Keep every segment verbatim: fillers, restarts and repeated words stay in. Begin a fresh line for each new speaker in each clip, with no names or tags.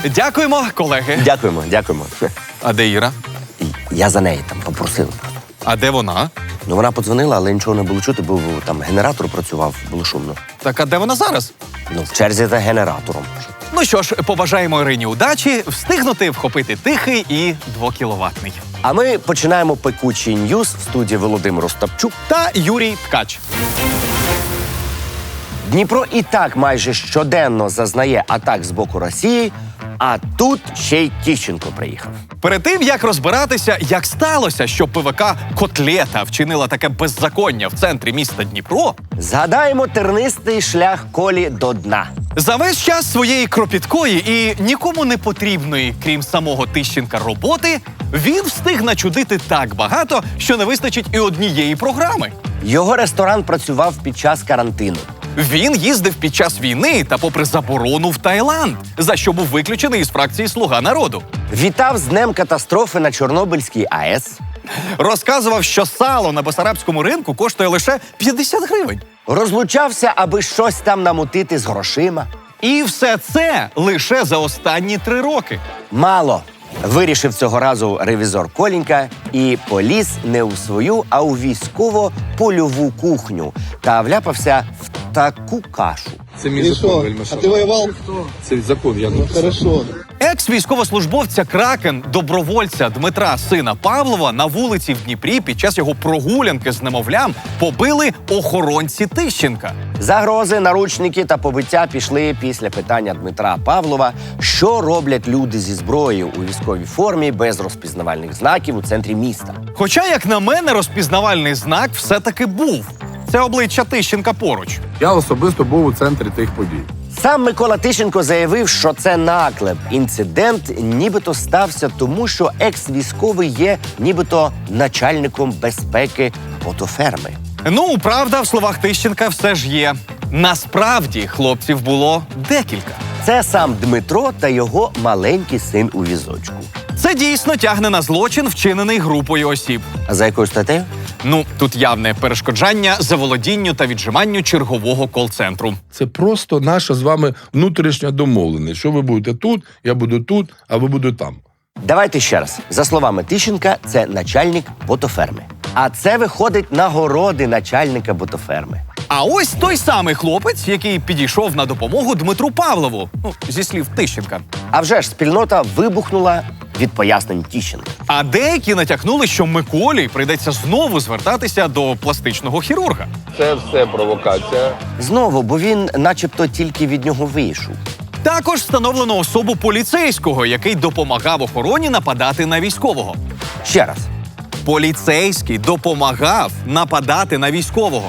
Дякуємо, колеги.
Дякуємо, дякуємо.
А де Іра?
Я за неї там попросив.
А де вона?
Ну, вона подзвонила, але нічого не було чути, бо там генератор працював, було шумно.
Так, а де вона зараз?
Ну, в черзі за генератором.
Ну що ж, побажаємо Ірині удачі, встигнути вхопити тихий і двокіловатний.
А ми починаємо пекучий ньюз в студії Володимир Остапчук.
Та Юрій Ткач.
Дніпро і так майже щоденно зазнає атак з боку Росії, а тут ще й Тищенко приїхав.
Перед тим, як розбиратися, як сталося, що ПВК «Котлета» вчинила таке беззаконня в центрі міста Дніпро,
Згадаємо тернистий шлях Колі до дна.
за весь час своєї кропіткої і нікому не потрібної, крім самого Тищенка, роботи, він встиг начудити так багато, що не вистачить і однієї програми.
Його ресторан працював під час карантину.
Він їздив під час війни та попри заборону в Таїланд, за що був виключений із фракції «Слуга народу».
Вітав з днем катастрофи на Чорнобильській АЕС.
Розказував, що сало на Бесарабському ринку коштує лише п'ятдесят гривень.
Розлучався, аби щось там намутити з грошима.
І все це лише за останні три роки.
Мало. Вирішив цього разу ревізор Колінька і поліз не у свою, а у військово-польову кухню та вляпався в таку кашу.
Це мій
И
закон,
что?
Вельмиша.
А ты воевал?
Це закон, я
Ну,
написав.
хорошо.
Екс-військовослужбовця Кракен, добровольця Дмитра, сина Павлова, на вулиці в Дніпрі під час його прогулянки з немовлям побили охоронці Тищенка.
Загрози, наручники та побиття пішли після питання Дмитра Павлова, що роблять люди зі зброєю у військовій формі без розпізнавальних знаків у центрі міста.
Хоча, як на мене, розпізнавальний знак все-таки був. Це обличчя Тищенка поруч.
Я особисто був у центрі тих подій.
Сам Микола Тищенко заявив, що це наклеп. Інцидент нібито стався тому, що екс-військовий є нібито начальником безпеки ботоферми.
Ну, правда, в словах Тищенка все ж є. Насправді, хлопців було декілька.
Це сам Дмитро та його маленький син у візочку.
Це дійсно тягне на злочин, вчинений групою осіб.
А за якою статтею?
Ну, тут явне перешкоджання заволодінню та віджиманню чергового кол-центру.
Це просто наша з вами внутрішня домовленість. Що ви будете тут, я буду тут, а ви будете там.
Давайте ще раз. За словами Тищенка, це начальник ботоферми. А це виходить нагороди начальника ботоферми.
А ось той самий хлопець, який підійшов на допомогу Дмитру Павлову, ну, зі слів Тищенка.
А вже ж спільнота вибухнула від пояснень Тищенка.
А деякі натякнули, що Миколі прийдеться знову звертатися до пластичного хірурга.
Це все провокація.
Знову, бо він начебто тільки від нього вийшов.
Також встановлено особу поліцейського, який допомагав охороні нападати на військового.
Ще раз.
Поліцейський допомагав нападати на військового.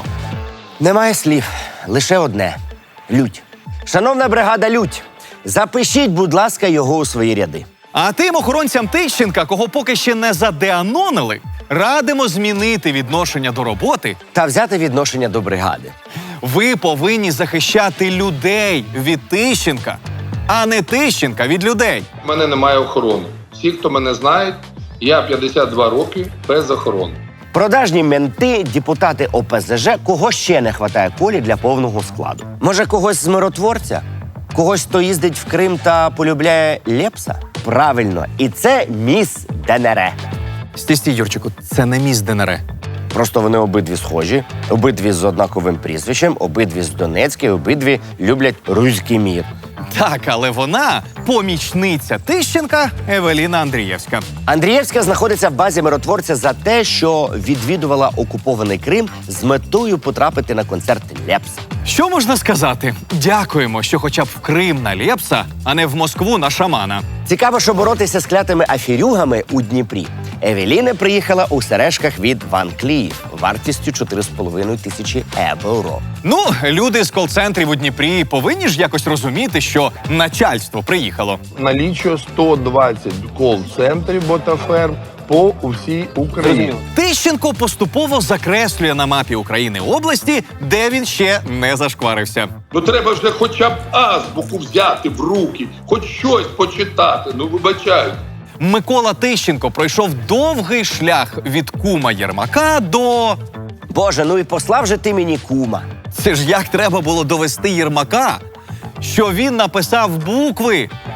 Немає слів, лише одне – лють. Шановна бригада «Лють», запишіть, будь ласка, його у свої ряди.
А тим охоронцям Тищенка, кого поки ще не задеанонили, радимо змінити відношення до роботи.
Та взяти відношення до бригади.
Ви повинні захищати людей від Тищенка, а не Тищенка від людей.
У мене немає охорони. Всі, хто мене знають, я п'ятдесят два роки без охорони.
Продажні менти, депутати О Пе Зе Же, кого ще не хватає Колі для повного складу? Може, когось з миротворця? Когось, хто їздить в Крим та полюбляє Лепса? Правильно, і це міс Де Ен Ре.
Стій, стій, Юрчику, це не міс Де Ен Ре.
Просто вони обидві схожі, обидві з однаковим прізвищем, обидві з Донецька, і обидві люблять руський мір.
Так, але вона помічниця Тищенка Евеліна Андрієвська.
Андрієвська знаходиться в базі миротворця за те, що відвідувала окупований Крим з метою потрапити на концерт Лепса.
Що можна сказати? Дякуємо, що хоча б в Крим на Лепса, а не в Москву на шамана.
Цікаво, що боротися з клятими аферюгами у Дніпрі. Евеліна приїхала у сережках від Ван Кліф вартістю чотири з половиною тисячі євро.
Ну, люди з кол-центрів у Дніпрі повинні ж якось розуміти, що начальство приїхало.
Налічує сто двадцять кол-центрів ботаферм по усій Україні.
Тищенко поступово закреслює на мапі України області, де він ще не зашкварився.
Ну треба вже хоча б азбуку взяти в руки, хоч щось почитати, ну вибачайте.
Микола Тищенко пройшов довгий шлях від кума Єрмака до...
Боже, ну і послав же ти мені кума.
Це ж як треба було довести Єрмака, що він написав букви,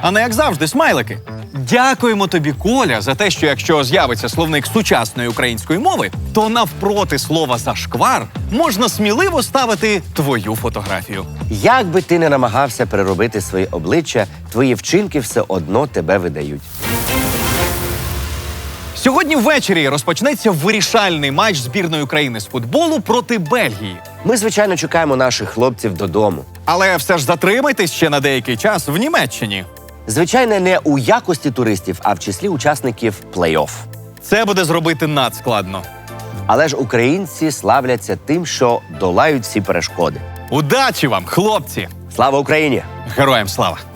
а не як завжди смайлики. Дякуємо тобі, Коля, за те, що якщо з'явиться словник сучасної української мови, то навпроти слова «зашквар» можна сміливо ставити твою фотографію.
Як би ти не намагався переробити своє обличчя, твої вчинки все одно тебе видають.
Сьогодні ввечері розпочнеться вирішальний матч збірної України з футболу проти Бельгії.
Ми, звичайно, чекаємо наших хлопців додому.
Але все ж затримайтесь ще на деякий час в Німеччині.
Звичайно, не у якості туристів, а в числі учасників плей-офф.
Це буде зробити надскладно.
Але ж українці славляться тим, що долають всі перешкоди.
Удачі вам, хлопці!
Слава Україні!
Героям слава!